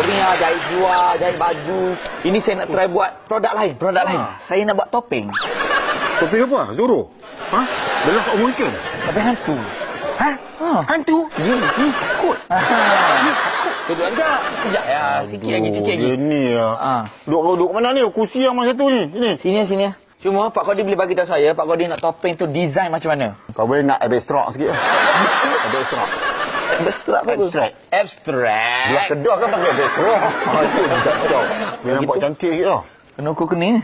ni jahit jual, jahit baju. Ini saya nak try buat produk lain. Saya nak buat topeng. Topeng apa? Zoro? Ha? Belah kat umur ikan? Topeng hantu. Ha? Hantu? Ya, takut. Duduk aja. Sekejap ya, sikit lagi. Ini ya. Duduk mana ni? Kursi yang mana satu ni? Sini. Cuma Pak Kodi boleh bagi tahu saya, Pak Kodi nak topeng tu design macam mana? Kau boleh nak abstrak sikit. Abstrak. Abstrak apa? Abstrak. Belah kedah kan pakai abstrak. Itu jatuh. Dia nampak cantik sikit tau. Kena ukur kening.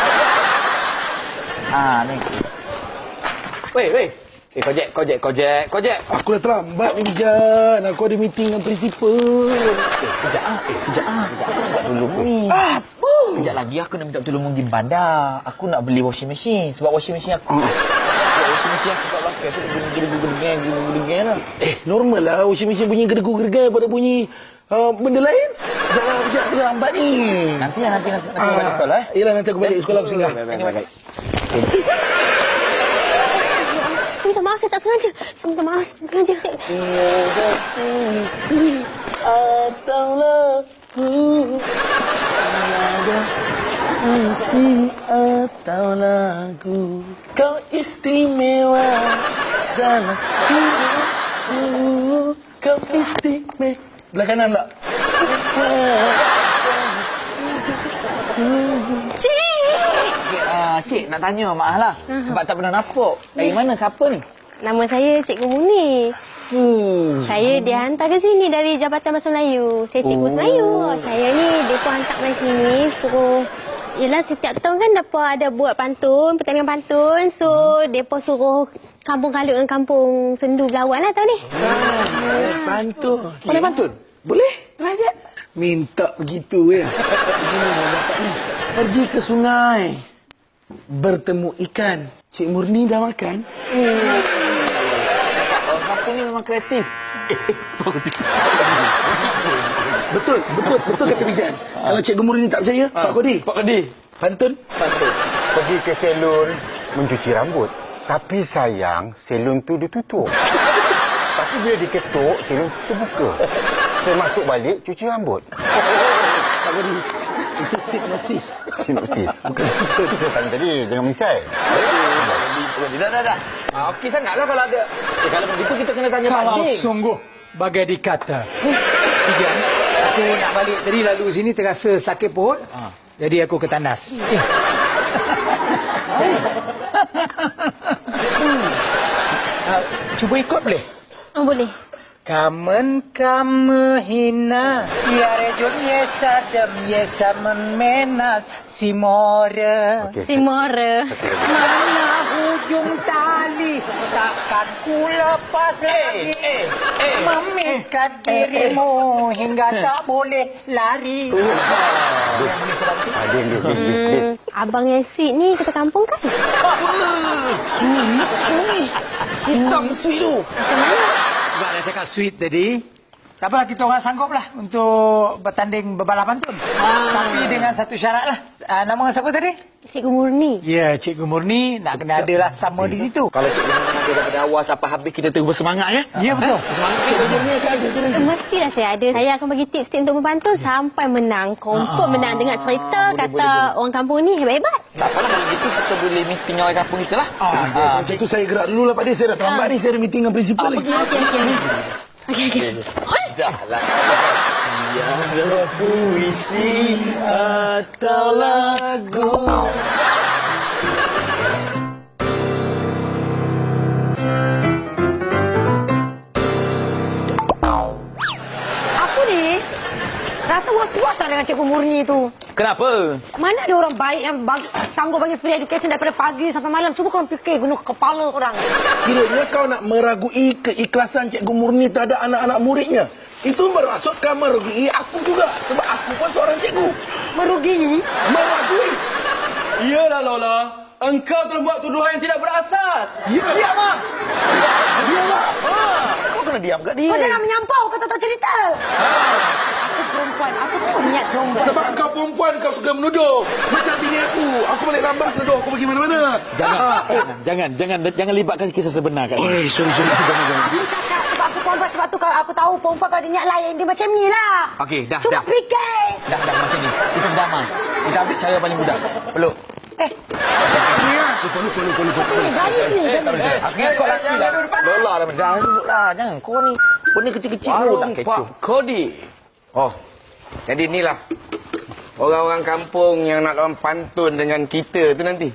Ni. Weh. Kojek. Aku dah terlambat ni, Bijan. Aku ada meeting dengan principal. Kejap. Minta tolong ni. Kejap lagi aku nak minta tolong pergi bandar. Aku nak beli washing machine. Sebab washing machine aku. Washing machine aku kat belakang tu bunyi geregu-geregu lah. Normal lah washing machine bunyi geregu-geregu pada bunyi benda lain. Jangan Bijan, aku dah lambat ni. Nanti balik sekolah. Yelah, nanti aku balik sekolah aku singgah. Baik. Saya minta maaf, saya tak sengaja. Tiada puisi atau lagu, tiada puisi atau lagu, kau istimewa dalam hidupku, kau istimewa. Belah kanan tak? Cik, nak tanya Mak lah. Sebab tak pernah nampak. Dari mana? Siapa ni? Nama saya Cikgu Murni. Saya dihantar ke sini dari Jabatan Bahasa Melayu. Saya Cikgu Melayu. Saya ni, mereka hantar main sini. Suruh, yelah setiap tahun kan mereka ada buat pantun, pertandingan pantun. So, mereka suruh kampung Kalut dengan kampung Sendu berlawan lah tahun ni. Pantun. Boleh pantun? Boleh. Try je. Minta begitu ya. Begini dapat ni. Pergi ke sungai. Bertemu ikan. Cik Murni dah makan? Orang kampung ni memang kreatif. Betul kata Bijan. Kalau Cikgu Murni tak percaya, Pak Kodi. Pantun. Pergi ke salon mencuci rambut. Tapi sayang, salon tu ditutup. Tapi bila diketuk, salon tu buka. Saya masuk balik, cuci rambut. Pak Kodi, itu sinopsis. Bukan itu saya tanya tadi, jangan menyesal. Dah. Okey sangatlah kalau ada. Kalau begitu kita kena tanya Pak Kalau Dik. sungguh bagai dikata. Bijan, aku nak balik tadi lalu sini terasa sakit perut. Jadi aku ke tandas. Cuba ikut boleh? Boleh. Kamen kamu hina, ya rejun yesa dem yesa menas simore. Si Mora. Mana hujung tali takkan ku lepas lagi. Memikat dirimu hingga tak boleh lari. Yang boleh sebab itu. Abang yang sweet ni kita kampung kan? Sui. Hitam sui tu. Macam mana? Sebab dah cakap sweet tadi. Tak apalah, kita orang sanggup lah untuk bertanding berbalapan tu. Tapi dengan satu syarat lah. Nama orang siapa tadi? Cikgu Murni. Ya, Cikgu Murni nak kena ada lah sama di situ. Kalau Cikgu Murni ada daripada awal sampai habis, kita terus bersemangat ya. Ya, betul. Semangat kita Murni akan ada tu nanti. Mestilah saya ada. Saya akan bagi tips untuk membantu sampai menang. Confirm menang. Dengar cerita kata orang kampung ni hebat-hebat. Tak apalah kalau gitu kita boleh meeting orang kampung kita lah. Macam tu saya gerak dulu lah Pak Dik. Saya dah terlambat ni. Saya ada meeting dengan principal lagi. Okey. Dah lah. Tiada puisi atau lagu. Aku ni rasa was-was lah dengan Cikgu Murni tu. Kenapa? Mana ada orang baik yang sanggup bagi free education daripada pagi sampai malam. Cuba kau fikir guna kepala orang. Kiranya kau nak meragui keikhlasan Cikgu Murni terhadap anak-anak muridnya. Itu bermaksud kau merugui aku juga. Sebab aku pun seorang cikgu. Merugi. Meragui. Iyalah Lola, engkau telah buat tuduhan yang tidak berasas. Ya, Mak. Ya, Mak. Kau kena diam kat dia. Kau jangan menyampau, kau tak tahu cerita. Aku perempuan, aku tak niat nombor. Sebab kau perempuan, kau suka menuduh. Macam bini aku. Aku balik lambat menuduh aku pergi mana-mana. Jangan libatkan kisah sebenar kat ni. Sorry. Jangan. Aku cakap sebab aku perempuan sebab tu kalau aku tahu perempuan kalau dia niat lain dia macam ni lah. Okey, dah, Cuba dah. fikir. Dah macam ni. Kita berdamai. Kita ambil cara paling mudah. Peluk. Lupa. Sini, berani sini. Aku ingat kau laki lah. Lola dah sebut lah. Jangan. Kau ni. Kau ni kecil-kecil pun tak kecoh. Kodi. Oh, jadi inilah orang-orang kampung yang nak lawan pantun dengan kita tu nanti.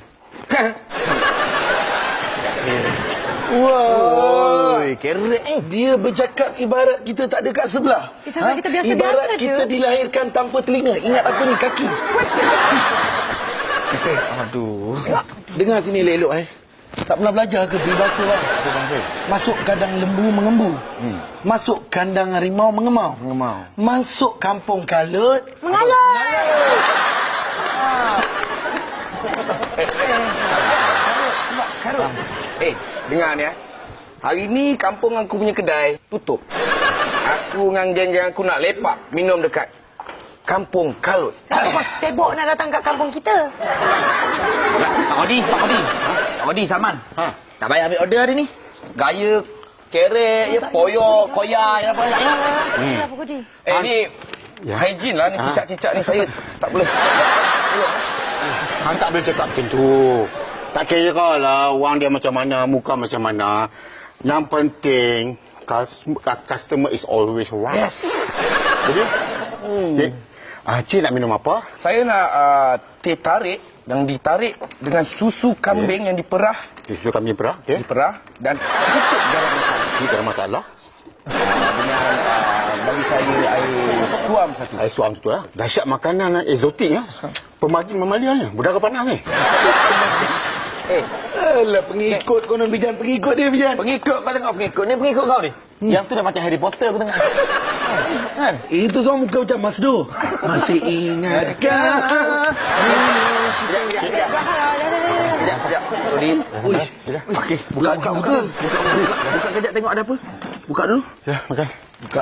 Wah. Oi, kerek Dia bercakap ibarat kita tak ada kat sebelah. Sampai kita biasa-biasa Ibarat je. kita dilahirkan tanpa telinga. Ingat apa ni? Kaki. Aduh. Dengar sini elok Tak pernah belajar ke peribahasa bang? Masuk kandang lembu mengembu. Masuk kandang harimau mengemau. Masuk kampung kalut Mengalut. Karut. Dengar ni Hari ni kampung aku punya kedai tutup. Aku dengan geng-geng aku nak lepak minum dekat Kampung Kalut. Kau sibuk nak datang kat kampung kita. Pak Odi, Salman. Tak payah ambil order hari ni. Gaya kerek, ya, poyok, koyak, apa tak payah. Kenapa kau di? Ni hygiene lah ni, cicak-cicak ni saya tak boleh. Hang tak boleh cakap macam tu. Tak kira lah wang dia macam mana, muka macam mana. Yang penting, customer is always right. Yes. Jadi, okay. Cik nak minum apa? Saya nak teh tarik yang ditarik dengan susu kambing yang diperah. Susu kami perah, okay. Diperah dan sedikit garam masam. Sikit ada masalah. Dengan bagi saya air suam satu. Air suam tu lah. Dahsyat makanan eksotik lah. Pemagin mamalia ni. Budara panas ni. Alah, pengikut kau nak Bijan. Pengikut dia, Bijan. Pengikut kau tengok pengikut. Ni pengikut kau ni. Yang tu dah macam Harry Potter aku tengok. Kan? Itu semua muka macam Masdo. Masih ingatkah? Sekejap. Odi. Okey, buka betul. Buka kejap tengok ada apa. Buka dulu. Ya, makan. Buka.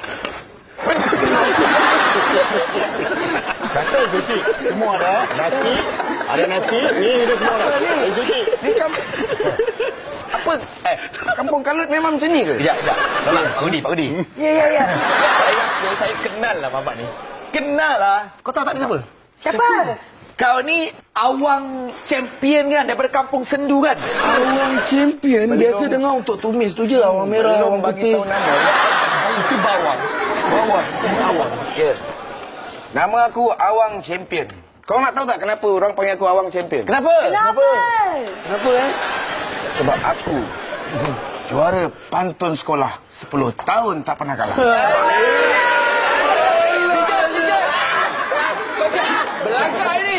Kata eksotik. Semua ada. Nasi. Ada nasi. Ni ada semua ada. Eksotik. Ni apa? Kampung Kalut memang macam ni ke? Sekejap. Pak Odi. Ya. Saya kenal lah bapak ni. Kenal lah. Kau tahu tak dia siapa? Siapa? Kau ni awang champion kan daripada kampung Sendu kan? Awang champion. Biasa dengar untuk tumis tu je. Awang merah, awang bagi putih. tahu nama. Itu bawang. Awang. Ya. Nama aku Awang Champion. Kau nak tahu tak kenapa orang panggil aku Awang Champion? Kenapa? Kenapa Sebab aku juara pantun sekolah 10 tahun tak pernah kalah. Belakang ni.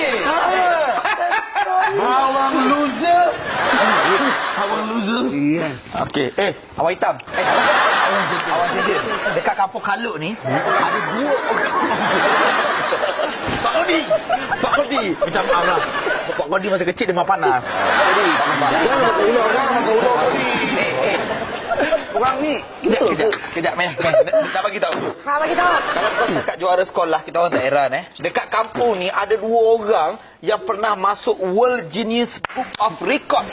Awang loser. Awang loser. Yes. Okey. Awang hitam. Awang jejin. Dekat kampung Kalut ni ada dua orang. Pak Odi. Minta maaf lah. Pak Odi masa kecil dia memang panas. Odi. Jangan makan ular. Orang ni Kejap, Meh. Nak bagi tahu. Bagi tahu. Kalau kau cakap juara sekolah, kita orang daerah dekat kampung ni ada dua orang yang pernah masuk World Guinness Book of Record.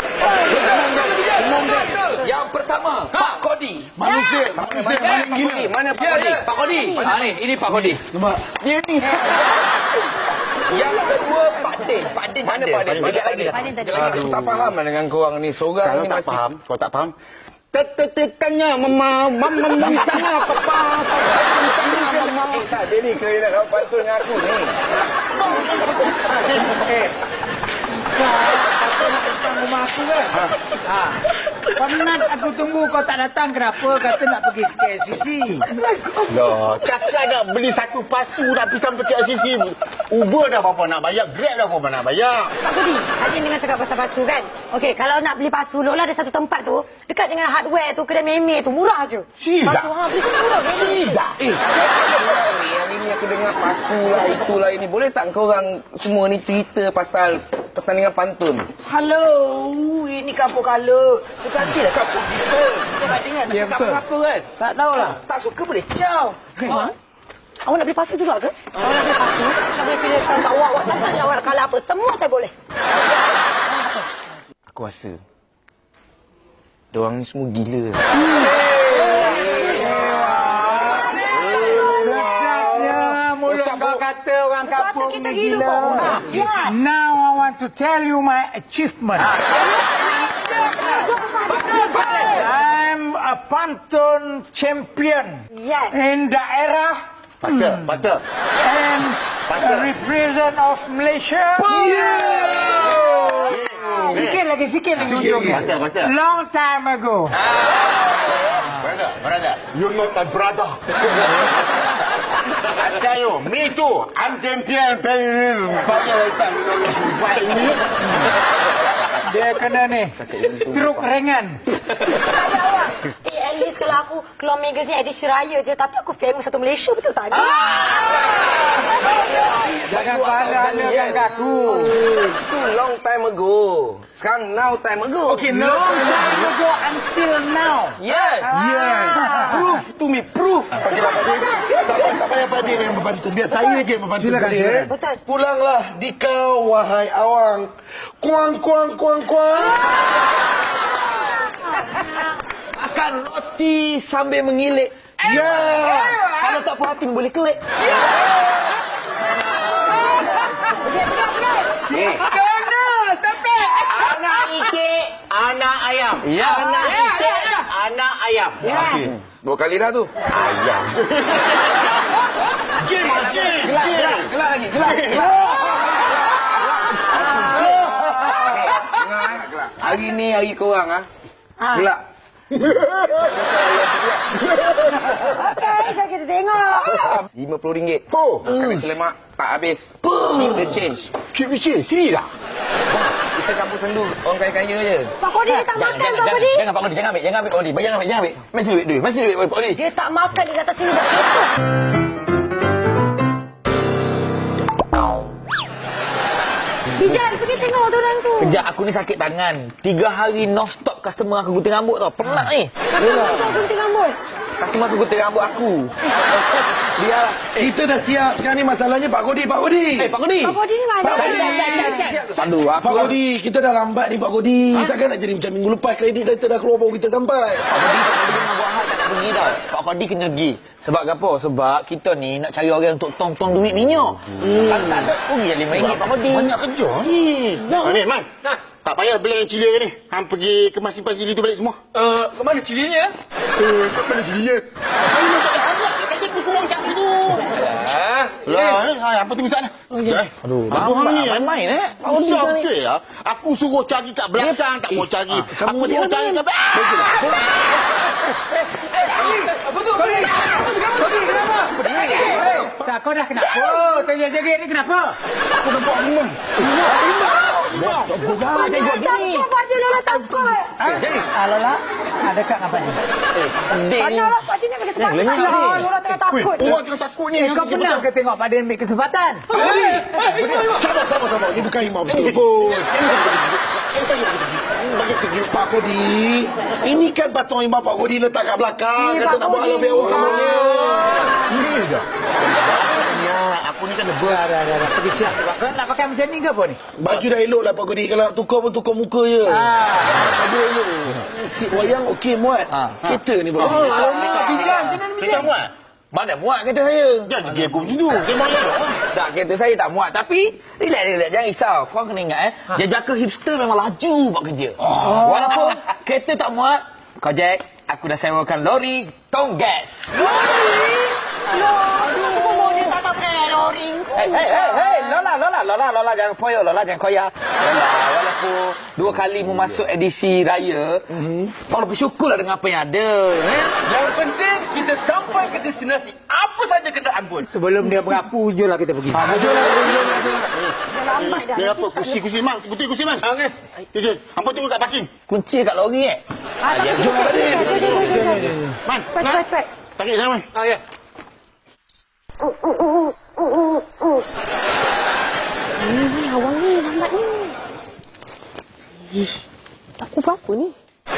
Yang pertama, Pak Kodi. Manusia. mana Pak Kodi? Pak Kodi. Ni, ini Pak Kodi. Nampak? Dia ni. Yang kedua, Pak Din. Mana Pak Din? Sekejap lagi dah. Aku tak faham lah dengan korang ni. Seorang Kalau ni tak mesti... faham, kau tak faham. Tetetekannya mama tengah papa. Dia ni kena nak pantun dengan aku ni. Kau nak datang rumah aku kan? Penat aku tunggu kau tak datang. Kenapa? Kata nak pergi ke KLCC. Loh, cakap nak beli satu pasu nak pergi sampai ke LCC. Uber dah berapa nak bayar, Grab dah berapa nak bayar. Pak Kudi, Haji dengan cakap pasal pasu kan? Okey, kalau nak beli pasu, Lola ada satu tempat tu, dekat dengan hardware tu, kedai meme tu, murah je. Serius Pasu, tak? beli satu murah. Serius tak? Hari ni aku dengar pasu lah, itulah ini. Boleh tak kau orang semua ni cerita pasal pertandingan pantun? Halo, ini kampung Kalut. Sekantilah kampung kita. Kita bandingkan Ya, tak betul. apa kan? Tak tahulah. Tak suka boleh ciao. Awak nak beli pasu juga ke? Awak nak beli pasu? Nak boleh pilih kat awak cakap awak nak kalah apa? Semua saya boleh. Aku rasa diorang ni semua gila. kata orang kampung kita ni hidup, gila. Pak. Yes. Now I want to tell you my achievement. I'm a pantun champion Yes. in daerah Pastor. and a represent of Malaysia. Sikit lagi ujungnya. Pastor. Long time ago. Brother, you're not my brother. I tell you, me too. I'm champion. Dia kena ni stroke ringan. Tanya awak. At least kalau aku keluar magazine edisi raya je, tapi aku famous satu Malaysia, betul tak? Jangan pandang-pandangkan aku. Itu long time ago. Sekarang now time ago. Okay, long time ago until now. Yes. Proof to me, proof. Tak payah Padin yang membantu. Biar saya je yang membantu. Silakan, kalian. silakan. Betul. Pulanglah di kau, wahai awang. Kuang. Makan roti sambil mengilik. Ya. Kalau tak puas hati boleh kelik. Anak itik, anak ayam. Ya. Anak itik, anak ayam. Okey. Dua kali dah tu. Ayam. Jin. Gelak lagi. Hari ni hari korang gelak. Okey, jom kita tengok. RM50. Kami selemak tak habis. Keep the change. Keep the change. Sini dah. Kita campur sendu. Orang kaya-kaya je. Pak Kodi dia tak makan, Pak Kodi. Jangan Pak Kodi, jangan ambil Pak Kodi. Jangan ambil. Masih duit Pak Kodi. Dia tak makan, dia datang sini buat kecoh. Bijan, pergi tengok tu orang tu. Kejap, aku ni sakit tangan. 3 hari non-stop customer aku gunting rambut tau. Penat ni. Kenapa kau gunting rambut? Customer aku gunting rambut aku. Biarlah. Kita dah siap. Sekarang ni masalahnya Pak Kodi. Pak Kodi. Pak Kodi ni mana? Sandu Pak Kodi, kita dah lambat ni Pak Kodi. Takkan nak jadi macam minggu lepas kredit kita dah keluar baru kita sampai. Pak Kodi dengan buat hal tak nak pergi tau. Pak Kodi kena pergi. Sebab apa? Sebab kita ni nak cari orang untuk tong-tong duit minyak. Kalau tak ada, rugi RM5 Pak Kodi. Banyak kerja ni. Ni, Man. Tak payah beli yang cili ni. Hang pergi kemas simpan cili tu balik semua. Ke mana cilinya? Kat mana cilinya? Hang nak tak ada. Kata aku suruh cak tu. Lah, apa tu misal ni? Aduh, hang ni main susah betul ya. Aku suruh cari kat belakang, tak mau cari. Aku suruh cari kat Tak, kau dah kenapa? Terjegit ni kenapa? aku nampak harimau. Tengok ni. Pak Din Lola takut. Lola, dekat apa ni? Tanya lah Pak Din nak bagi kesempatan. Lola tengah takut. Orang tengah takut ni. Kau pernah ke tengok Pak Din ambil kesempatan? Sabar. Ni bukan harimau betul pun. Bagi kerja. Pak Kodi, ini kan batung harimau Pak Kodi letak kat belakang. Kata nak buat lebih awak kamarnya. Serius je. Ya, aku ni kan nervous. Dah. Pergi siap. Kau nak pakai macam ni ke apa ni? Baju dah elok lah Pak Kodi. Kalau nak tukar pun tukar muka je. Baju elok. Si wayang okey muat. Kereta ni Pak Kodi. Tak bijak. Kita muat. Mana muat kereta saya? Jangan pergi aku macam tu. Saya malas dah. Tak, kereta saya tak muat. Tapi, relax. Jangan risau. Korang kena ingat, jejaka hipster memang laju buat kerja. Walaupun kereta tak muat, kau Jack, aku dah sewakan lori tong gas. Semua model tak pakai lori. Hey, Lola, jangan poyo, Lola, jangan koyak. Lola, walaupun 2 kali masuk edisi raya, kau lebih syukurlah dengan apa yang ada. Yang penting kita sampai ke destinasi. Apa saja kenderaan pun. Sebelum dia berapu, jom lah kita pergi. Lambat dah. Ni apa? Kursi man. Putih kursi man. Okey. Okey. Hampa tunggu kat parking. Kunci kat lori Jom. Man. Cepat. Tarik sana man. Okey. Ni awang ni lambat ni. Aku berapa ni?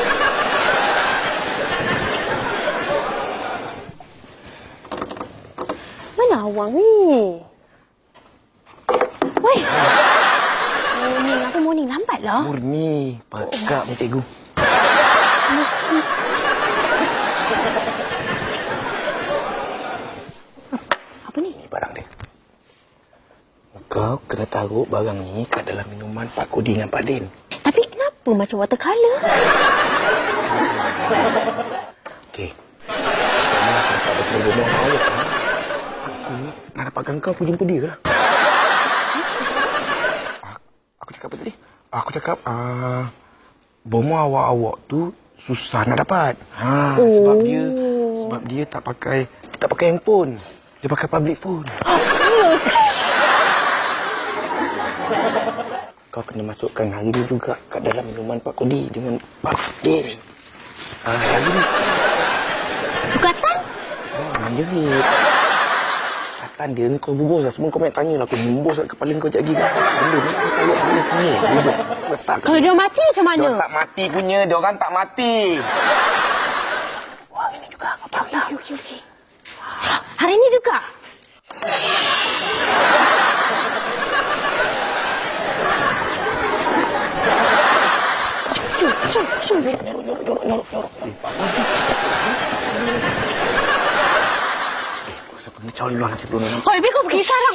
Mana awang ni? Woi. Morning lambat lah. Murni, pakak ni cikgu. Apa ni? Ni barang dia. Kau kena taruh barang ni kat dalam minuman Pak Kodi dengan Pak Din. Tapi kenapa macam watercolour? Okey. Kamu nak dapat betul rumah awak kan? Aku nak dapatkan kau pergi jumpa dia lah. Aku cakap apa tadi? Aku cakap, bomo awak-awak tu susah nak dapat. Sebab dia tak pakai handphone. Dia pakai public phone. Kau kena masukkan hari ni juga kat dalam minuman Pak Kodi dengan Pak Din. Hari ni. Sukatan? Menjerit. Sukatan dia ni kau bubus lah. Semua kau banyak tanya lah. Aku membus kat kepala kau sekejap lagi kan. Benda ni kau tahu ada semua. Letak. Kalau dia mati macam mana? Dia tak mati punya. Dia orang tak mati. Wah, ini juga. Kau tahu tak? Okey. Hari ni juga? Jom. Nyorok. Aku rasa pergi cawan luar nanti belum. Oh, Ibu kau pergi sekarang.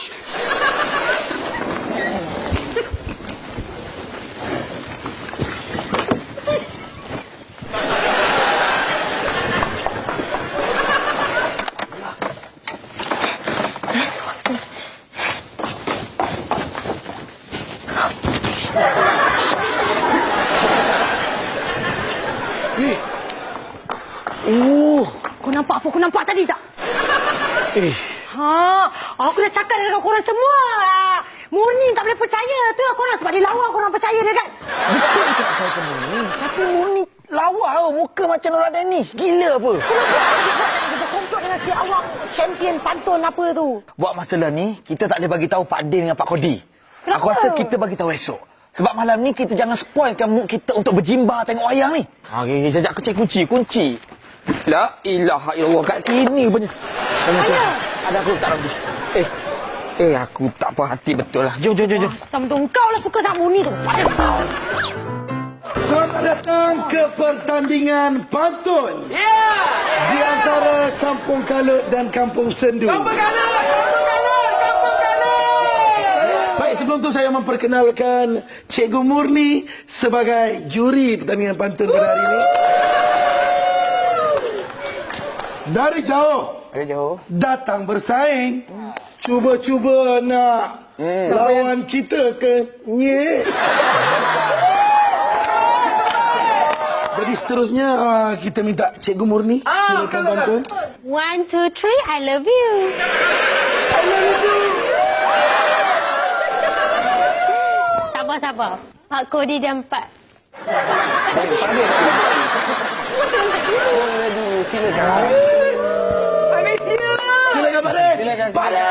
Kau nampak apa aku nampak tadi tak? Aku dah cakap dengan korang semua. Murni tak boleh percaya. Tu lah korang sebab dia lawa korang percaya dia kan? Betul tak saya ke Murni? Tapi Murni lawa tau. Muka macam Nora Danish. Gila apa? Kita komplot dengan si awang champion pantun apa tu. Buat masalah ni, kita tak boleh bagi tahu Pak Din dengan Pak Kodi. Kenapa? Aku rasa kita bagi tahu esok. Sebab malam ni kita jangan spoilkan mood kita untuk berjimba tengok wayang ni. Okay, sekejap aku cek kunci. La ilaha illallah kat sini punya. Ada aku tak ragu. Aku tak puas hati betul lah. Jom. Sama tu kau lah suka sama Murni tu. Selamat datang ke pertandingan pantun. Di antara Kampung Kalut dan Kampung Sendu. Kampung Kalut! Baik, sebelum tu saya memperkenalkan Cikgu Murni sebagai juri pertandingan pantun pada hari ini. Dari jauh datang bersaing, cuba-cuba nak lawan kita ke nye. Jadi seterusnya kita minta Cikgu Murni silakan pantun. 1, 2, 3, I love you. Sabar. Pak Kodi jam 4. Silakan. Silakan Pak Den. Pak Den.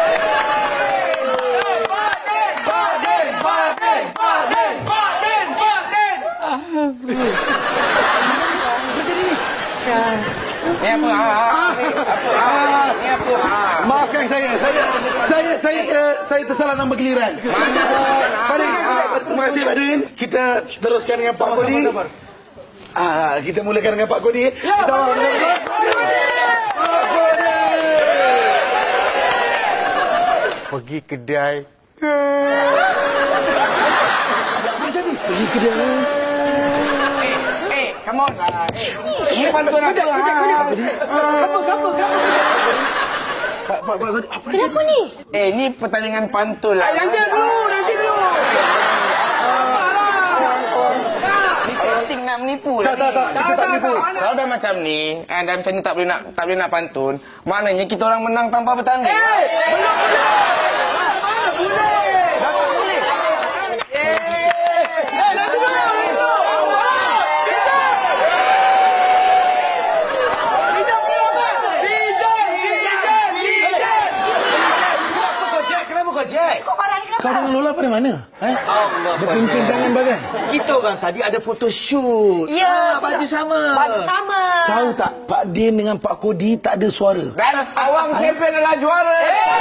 Ni apa? Ni apa? Maafkan saya tersalah nama giliran. Pak Den, terima kasih Pak Den. Kita teruskan dengan Pak Kodi. Kita mulakan dengan Pak Kodi. Kita Pergi kedai. pergi kedai. Come on. Ini pantun aku. Kenapa ni? Ni pertandingan pantun lah. Nanti dulu. Ni setting nak menipu lah. Tak, kita tak menipu. Kalau dah macam ni, dah macam ni tak boleh nak pantun, maknanya kita orang menang tanpa bertanding. Belum. Kau dengan Lola pada mana? Berpimpin tangan bagai. Kita orang tadi ada photoshoot. Ya, baju sama. Tahu tak, Pak Din dengan Pak Kodi tak ada suara. Dan awang champion adalah juara.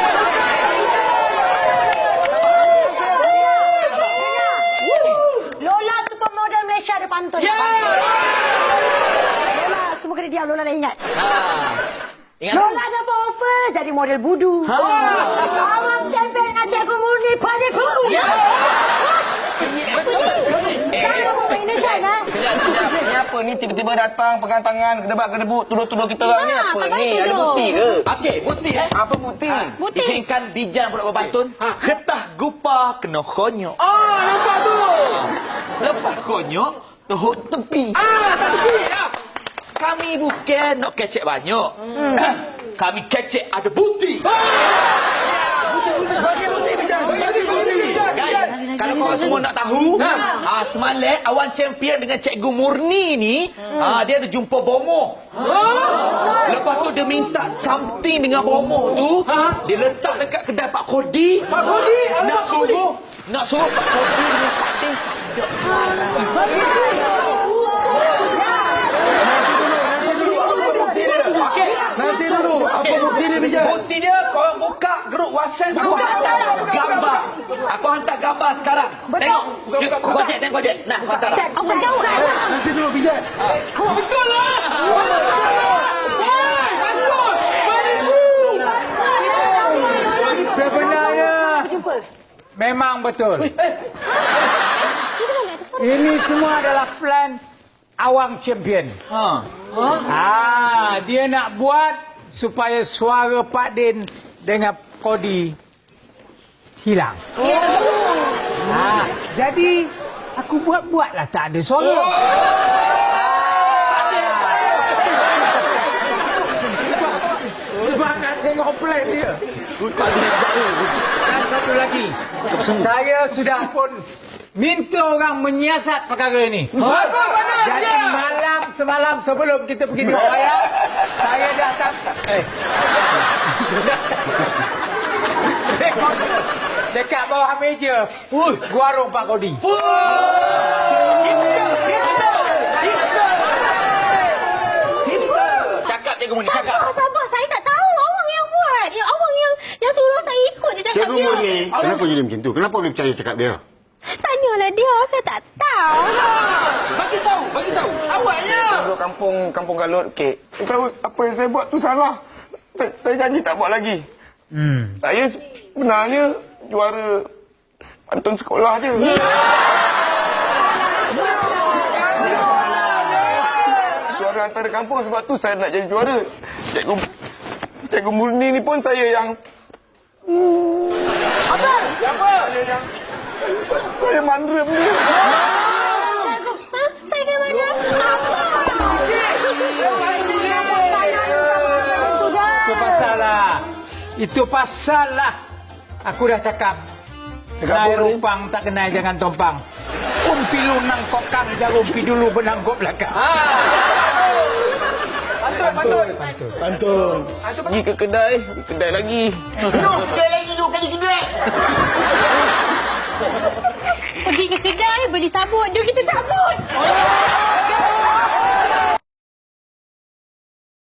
Lola supermodel Malaysia ada pantun. Lola, semua kena diam. Lola dah ingat. Ingat Lola dah buat offer jadi model budu. Abang champion dengan Cikgu Murni pada kuku. Jangan kamu main innocent, ha? Sekejap. Ni apa ni tiba-tiba datang pegang tangan kedebak-kedebuk tuduh-tuduh kita orang ni apa ni? Ada bukti ke? Okey, bukti Apa bukti? Bukti. Izinkan bijang pula berbantun. Ketah gupa kena konyok. Nampak tu. Lepas konyok, tuhuk tepi. Kami bukan nak kecek banyak. Kami kecek ada bukti. Guys, kalau korang semua nak tahu, semalam Awan Champion dengan Cikgu Murni ni, dia ada jumpa bomoh. Lepas tu dia minta something dengan bomoh tu, dia letak dekat kedai Pak Kodi. Pak Kodi, Nak suruh Pak Kodi dengan Pak Ding tidak marah. Nanti dulu. Apa bukti dia, Bijak? Bukti dia, korang buka grup WhatsApp. Aku hantar gambar. Aku hantar gambar sekarang. Tengok. Tengok kojek. Nah, hantar. Apa jauh? Nanti dulu, Bijak. Betul lah. Sebenarnya memang betul. Ini semua adalah plan Awang Champion. Dia nak buat supaya suara Pak Din dengan Kodi hilang. Jadi aku buat-buatlah tak ada suara. Sebab nak tengok plan dia. Dan satu lagi, saya sudah pun minta orang menyiasat perkara ini. Jadi semalam sebelum kita pergi tengok wayang, saya datang. Dekat bawah meja, warung Pak Kodi. Cakap Cikgu Murni, cakap. Sabar. Saya tak tahu. Awang yang buat. Awang yang suruh saya ikut je cakap Cikgu dia. Murni, kenapa jadi macam tu? Kenapa boleh percaya cakap dia? Tanyalah dia. Saya tak tahu. Bagi tahu. Awaknya. Duduk kampung Galut, okey. Saya tahu apa yang saya buat tu salah. Saya janji tak buat lagi. Saya sebenarnya juara pantun sekolah je. Juara antara kampung, sebab tu saya nak jadi juara. Cikgu Murni ni pun saya yang... Apa? Siapa? Saya mandrem dia. Saya kena mana? Itu pasal lah. Aku dah cakap. Kenai rupang tak kenai jangan tompang. Umpi lu nang kokang jarum pi dulu benangkop belakang. Pantun. Pergi ke kedai lagi. Pergi ke kedai, beli sabun. Jom kita cabut.